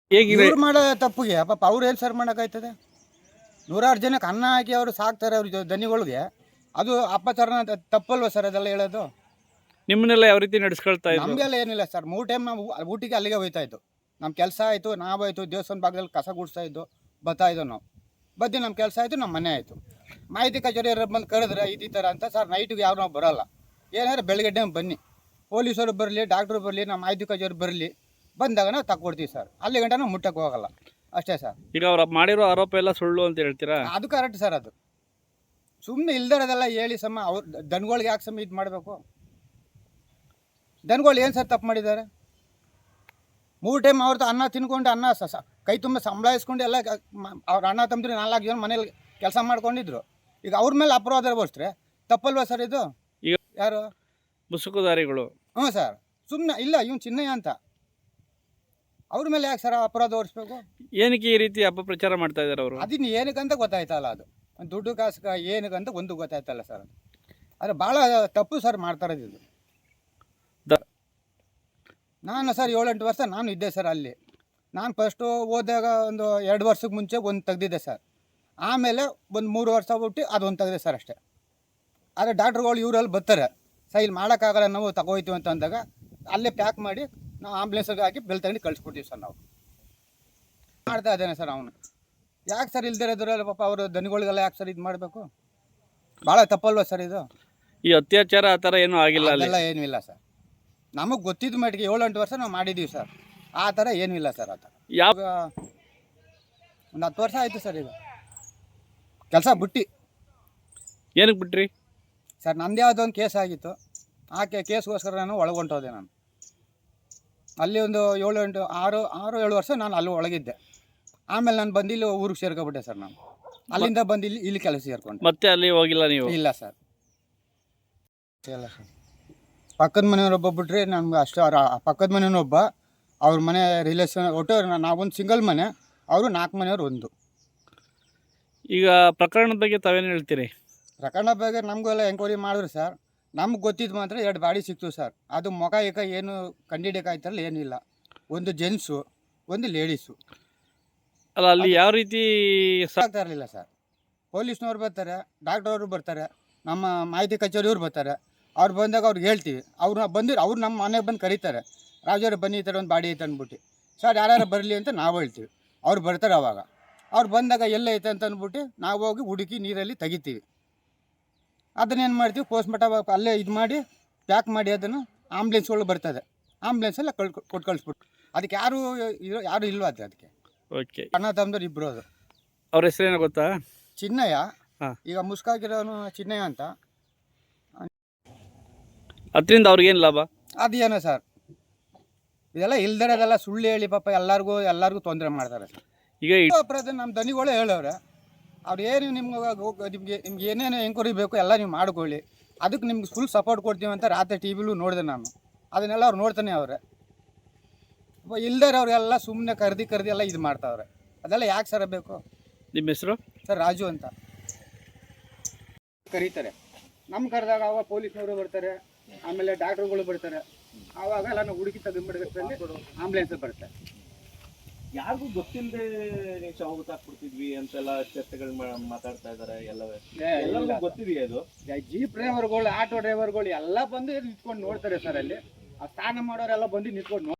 ಹೇಗಿದೆ ಇವ್ರು ಮಾಡೋ ತಪ್ಪಿಗೆ ಪಾಪ ಅವ್ರು ಏನು ಸರ್ ಮಾಡೋಕ್ಕಾಯ್ತದೆ? ನೂರಾರು ಜನಕ್ಕೆ ಅನ್ನ ಹಾಕಿ ಅವರು ಸಾಕ್ತಾರೆ ಅವ್ರ ದನಿಗಳಿಗೆ. ಅದು ಅಪ್ಪಚಾರನ ತಪ್ಪಲ್ವ ಸರ್ ಅದೆಲ್ಲ ಹೇಳೋದು? ನಿಮ್ಮನ್ನೆಲ್ಲ ಯಾವ ರೀತಿ ನಡೆಸ್ಕೊಳ್ತಾ ಇದ್ರು? ನಮಗೆಲ್ಲ ಏನಿಲ್ಲ ಸರ್. 3 ಟೈಮ್ ನಾವು ಊಟಿಗೆ ಅಲ್ಲಿಗೆ ಹೋಗ್ತಾ ಇದ್ದು. ನಮ್ಮ ಕೆಲಸ ಆಯಿತು, ನಾವಾಯಿತು, ದೇವಸ್ಥಾನ ಭಾಗದಲ್ಲಿ ಕಸ ಗುಡಿಸ್ತಾ ಇದ್ದು, ಬರ್ತಾ ಇದ್ದೋ ನಾವು. ಬದ್ದು ನಮ್ಮ ಕೆಲಸ ಆಯಿತು, ನಮ್ಮ ಮನೆ ಆಯಿತು. ಮಾಹಿತಿ ಕಚೇರಿ ಬಂದು ಕರೆದ್ರೆ ಈ ಥರ ಅಂತ ಸರ್. ನೈಟಿಗೆ ಯಾರು ನಾವು ಬರೋಲ್ಲ, ಏನಾದ್ರೆ ಬೆಳಗ್ಗೆ ಟೈಮ್ ಬನ್ನಿ, ಪೊಲೀಸರು ಬರಲಿ, ಡಾಕ್ಟ್ರು ಬರಲಿ, ನಮ್ಮ ಮಾಹಿತಿ ಕಚೇರಿ ಬರಲಿ, ಬಂದಾಗ ನಾವು ತಗೊಡ್ತೀವಿ ಸರ್. ಅಲ್ಲಿ ಗಂಟ ನಾವು ಮುಟ್ಟಕ್ಕೆ ಹೋಗಲ್ಲ, ಅಷ್ಟೇ ಸರ್. ಈಗ ಅವ್ರು ಮಾಡಿರೋ ಆರೋಪ ಎಲ್ಲ ಸುಳ್ಳು ಅಂತ ಹೇಳ್ತೀರಾ? ಅದು ಕರೆಕ್ಟ್ ಸರ್. ಅದು ಸುಮ್ಮನೆ ಇಲ್ದಿರೋದೆಲ್ಲ ಹೇಳಿ ಸಮ ಅವ್ರು ದನಗಳಿಗೆ ಯಾಕೆ ಸಮ ಇದು ಮಾಡಬೇಕು? ದನಗಳು ಏನು ಸರ್ ತಪ್ಪು ಮಾಡಿದ್ದಾರೆ? 3 ಟೈಮ್ ಅವ್ರದ್ದು ಅನ್ನ ತಿನ್ಕೊಂಡು ಅನ್ನ ಕೈ ತುಂಬ ಸಂಬಳ ಇಸ್ಕೊಂಡು ಎಲ್ಲ ಅವ್ರ ಅಣ್ಣ ತಮ್ಮದ್ರು 4 ಜನ ಮನೇಲಿ ಕೆಲಸ ಮಾಡ್ಕೊಂಡಿದ್ರು. ಈಗ ಅವ್ರ ಮೇಲೆ ಅಪರಾಧ ಬೋಸ್ರೆ ತಪ್ಪಲ್ವಾ ಸರ್ ಇದು? ಈಗ ಯಾರು ಮುಸುಕುದಾರಿಗಳು? ಹ್ಞೂ ಸರ್. ಸುಮ್ಮನೆ ಇಲ್ಲ ಇವ್ನು ಚಿನ್ನಯ್ಯ ಅಂತ, ಅವ್ರ ಮೇಲೆ ಯಾಕೆ ಸರ್ ಅಪರಾಧ ಹೊರಿಸ್ಬೇಕು? ಏನಕ್ಕೆ ಈ ರೀತಿ ಅಪಪ್ರಚಾರ ಮಾಡ್ತಾ ಇದ್ದಾರೆ ಅವರು? ಅದನ್ನು ಏನಕ್ಕಂತ ಗೊತ್ತಾಯ್ತಲ್ಲ. ಅದು ದುಡ್ಡು ಕಾಸು ಏನಕ್ಕಂತ ಒಂದು ಗೊತ್ತಾಯ್ತಲ್ಲ ಸರ್. ಅದು ಆದರೆ ಭಾಳ ತಪ್ಪು ಸರ್ ಮಾಡ್ತಾ ಇರೋದು. ನಾನು ಸರ್ 7-8 ವರ್ಷ ನಾನು ಇದ್ದೆ ಸರ್ ಅಲ್ಲಿ. ನಾನು ಫಸ್ಟು ಹೋದಾಗ ಒಂದು 2 ವರ್ಷಕ್ಕೆ ಮುಂಚೆ ಒಂದು ತೆಗ್ದಿದ್ದೆ ಸರ್. ಆಮೇಲೆ ಒಂದು 3 ವರ್ಷ ಬಿಟ್ಟು ಅದೊಂದು ತೆಗೆದೆ ಸರ್ ಅಷ್ಟೇ. ಆದರೆ ಡಾಕ್ಟ್ರುಗಳು ಇವರಲ್ಲಿ ಬರ್ತಾರೆ, ಸರ್ ಇಲ್ಲಿ ಮಾಡೋಕ್ಕಾಗಲ್ಲ ನಾವು ತಗೋಯ್ತೀವಿ ಅಂತ ಅಂದಾಗ ಅಲ್ಲೇ ಪ್ಯಾಕ್ ಮಾಡಿ ನಾವು ಆಂಬುಲೆನ್ಸ್ಗೆ ಹಾಕಿ ಬೆಲ್ ತಗೊಂಡು ಕಳಿಸ್ಕೊಡ್ತೀವಿ ಸರ್. ನಾವು ಮಾಡ್ತಾ ಇದ್ದೇನೆ ಸರ್. ಅವನು ಯಾಕೆ ಸರ್ ಇಲ್ದಿರೋದ್ರಲ್ಲಿ ಪಾಪ ಅವರು ದನಿಗಳಿಗೆಲ್ಲ ಯಾಕೆ ಸರ್ ಇದು ಮಾಡಬೇಕು? ಭಾಳ ತಪ್ಪಲ್ವ ಸರ್ ಇದು? ಈ ಅತ್ಯಾಚಾರ ಆ ಥರ ಏನೂ ಆಗಿಲ್ಲ ಅಲ್ಲಿ? ಅದೆಲ್ಲ ಏನೂ ಇಲ್ಲ ಸರ್. ನಮಗೆ ಗೊತ್ತಿದ್ದ ಮಟ್ಟಿಗೆ 7-8 ವರ್ಷ ನಾವು ಮಾಡಿದ್ದೀವಿ ಸರ್. ಆ ಥರ ಏನೂ ಇಲ್ಲ ಸರ್. ಆ ಥರ ಯಾವ ಒಂದು 10 ವರ್ಷ ಆಯಿತು ಸರ್ ಈಗ ಕೆಲಸ ಬಿಟ್ಟು. ಏನಕ್ಕೆ ಬಿಟ್ರಿ ಸರ್? ನಂದು ಯಾವುದೋ ಒಂದು ಕೇಸ್ ಆಗಿತ್ತು, ಆ ಕೇಸ್ಗೋಸ್ಕರ ನಾನು ಒಳಗೊಂಟೋದೆ. ನಾನು ಅಲ್ಲಿ ಒಂದು 6-7 ವರ್ಷ ನಾನು ಅಲ್ಲಿ ಒಳಗಿದ್ದೆ. ಆಮೇಲೆ ನಾನು ಬಂದು ಇಲ್ಲಿ ಊರಿಗೆ ಸೇರ್ಕೊಬಿಟ್ಟೆ ಸರ್. ನಾನು ಅಲ್ಲಿಂದ ಬಂದು ಇಲ್ಲಿ ಕೆಲಸ ಸೇರ್ಕೊಂಡೆ. ಮತ್ತೆ ಅಲ್ಲಿ ಹೋಗಿಲ್ಲ ನೀವು? ಇಲ್ಲ ಸರ್, ಇಲ್ಲ ಸರ್. ಪಕ್ಕದ ಮನೆಯವರೊಬ್ಬ ಬಿಟ್ರೆ ನಮ್ಗೆ ಅಷ್ಟು. ಪಕ್ಕದ ಮನೆಯವನೊಬ್ಬ, ಅವ್ರ ಮನೆ ರಿಲೇಷನ್, ಒಟ್ಟು ನಾವೊಂದು ಸಿಂಗಲ್ ಮನೆ, ಅವರು 4 ಮನೆಯವ್ರು ಒಂದು. ಈಗ ಪ್ರಕರಣದ ಬಗ್ಗೆ ತಾವೇನು ಹೇಳ್ತೀರಿ? ಪ್ರಕರಣ ಬಗ್ಗೆ ನಮಗೂ ಎಲ್ಲ ಎಂಕ್ವೈರಿ ಮಾಡಿದ್ರು ಸರ್. ನಮ್ಗೆ ಗೊತ್ತಿದ್ದು ಮಾತ್ರ 2 ಬಾಡಿ ಸಿಕ್ತು ಸರ್. ಅದು ಮುಖ ಏನು ಕಂಡಿಡಿಯೋಕ್ಕಾಯ್ತಲ್ಲ, ಏನಿಲ್ಲ. ಒಂದು ಜೆಂಟ್ಸು, ಒಂದು ಲೇಡೀಸು. ಅಲ್ಲ, ಅಲ್ಲಿ ಯಾವ ರೀತಿ ಆಗ್ತಾ ಇರಲಿಲ್ಲ ಸರ್. ಪೊಲೀಸ್ನವ್ರು ಬರ್ತಾರೆ, ಡಾಕ್ಟ್ರವರು ಬರ್ತಾರೆ, ನಮ್ಮ ಮಾಹಿತಿ ಕಚೇರಿಯವ್ರು ಬರ್ತಾರೆ. ಅವ್ರು ಬಂದಾಗ ಅವ್ರಿಗೆ ಹೇಳ್ತೀವಿ, ಅವ್ರು ಬಂದಿರು, ಅವ್ರು ನಮ್ಮ ಮನೆಗೆ ಬಂದು ಕರೀತಾರೆ, ರಾಜವ್ರು ಬನ್ನಿ ಈ ಥರ ಒಂದು ಬಾಡಿ ಐತೆ ಅಂದ್ಬಿಟ್ಟು. ಸರ್ ಯಾರ್ಯಾರು ಬರಲಿ ಅಂತ ನಾವು ಹೇಳ್ತೀವಿ. ಅವ್ರು ಬರ್ತಾರೆ. ಅವಾಗ ಅವ್ರು ಬಂದಾಗ ಎಲ್ಲ ಐತೆ ಅಂತ ಅಂದ್ಬಿಟ್ಟು ನಾವು ಹೋಗಿ ಹುಡುಕಿ ನೀರಲ್ಲಿ ತೆಗಿತೀವಿ. ಅದನ್ನೇನು ಮಾಡ್ತೀವಿ, ಪೋಸ್ಟ್ಮಾರ್ಟಮ್ ಅಲ್ಲೇ ಇದು ಮಾಡಿ ಪ್ಯಾಕ್ ಮಾಡಿ ಅದನ್ನು ಆಂಬುಲೆನ್ಸ್ಗಳು ಬರ್ತದೆ, ಆಂಬುಲೆನ್ಸೆಲ್ಲ ಕೊಟ್ಟು ಕಳಿಸ್ಬಿಟ್ಟು. ಅದಕ್ಕೆ ಯಾರು ಇಲ್ವಾ ಅದಕ್ಕೆ? ಓಕೆ. ಅಣ್ಣ ತಮ್ಮದವ್ರು ಇಬ್ಬರು. ಅದು ಅವ್ರ ಹೆಸರೇನೋ ಗೊತ್ತಾ? ಚಿನ್ನಯ್ಯ. ಹಾಂ. ಈಗ ಮುಸ್ಕಾಗಿರೋನು ಚಿನ್ನಯ್ಯ ಅಂತ. ಅದರಿಂದ ಅವ್ರಿಗೇನು ಲಾಭ? ಅದೇನೋ ಸರ್, ಇದೆಲ್ಲ ಇಲ್ದಿರೋದೆಲ್ಲ ಸುಳ್ಳು ಹೇಳಿ ಪಾಪ ಎಲ್ಲರಿಗೂ ತೊಂದರೆ ಮಾಡ್ತಾರೆ ಸರ್. ಈಗ ಅಪರಾಧ ನಮ್ಮ ದನಿಗಳೇ ಹೇಳವ್ರೆ. ಅವ್ರು ಏನು ನಿಮ್ಗೆ ಏನೇನು ಎಂಕ್ವೈರಿ ಬೇಕು ಎಲ್ಲ ನೀವು ಮಾಡ್ಕೊಳ್ಳಿ, ಅದಕ್ಕೆ ನಿಮ್ಗೆ ಫುಲ್ ಸಪೋರ್ಟ್ ಕೊಡ್ತೀವಿ ಅಂತ ರಾತ್ರಿ ಟಿ ವಿಲೂ ನೋಡಿದೆ ನಾನು. ಅದನ್ನೆಲ್ಲ ಅವ್ರು ನೋಡ್ತಾನೆ ಅವ್ರೆ. ಇಲ್ದಿರೋರೆಲ್ಲ ಸುಮ್ಮನೆ ಕರ್ದು ಎಲ್ಲ ಇದು ಮಾಡ್ತಾವ್ರೆ. ಅದೆಲ್ಲ ಯಾಕೆ ಸರ್ ಬೇಕು? ನಿಮ್ಮ ಹೆಸರು? ಸರ್ ರಾಜು ಅಂತ ಕರೀತಾರೆ. ನಮ್ಮ ಕರೆದಾಗ ಅವಾಗ ಪೊಲೀಸ್ನವರು ಬರ್ತಾರೆ, ಆಮೇಲೆ ಡಾಕ್ಟ್ರುಗಳು ಬರ್ತಾರೆ. ಆವಾಗ ಎಲ್ಲ ನಾವು ಹುಡುಕಿ ತೆಗೆದ್ಬಿಡೋದ್ರಲ್ಲಿ ಆಂಬುಲೆನ್ಸ್ ಬರ್ತಾರೆ. ಯಾರಿಗೂ ಗೊತ್ತಿಲ್ಲದೆ ನೀವು ಶವ ಗೊತ್ತಾಗ್ಬಿಡ್ತಿದ್ವಿ ಅಂತೆಲ್ಲ ಚರ್ಚೆಗಳು ಮಾತಾಡ್ತಾ ಇದ್ದಾರೆ. ಎಲ್ಲರಿಗೂ ಗೊತ್ತಿದೆಯಾ ಇದು? ಜೀಪ್ ಡ್ರೈವರ್ಗಳು, ಆಟೋ ಡ್ರೈವರ್ಗಳು ಎಲ್ಲ ಬಂದು ನಿಂತ್ಕೊಂಡು ನೋಡ್ತಾರೆ ಸರ್. ಅಲ್ಲಿ ಆ ಸ್ನಾನ ಮಾಡೋರೆಲ್ಲ ಬಂದು ನಿಂತ್ಕೊಂಡು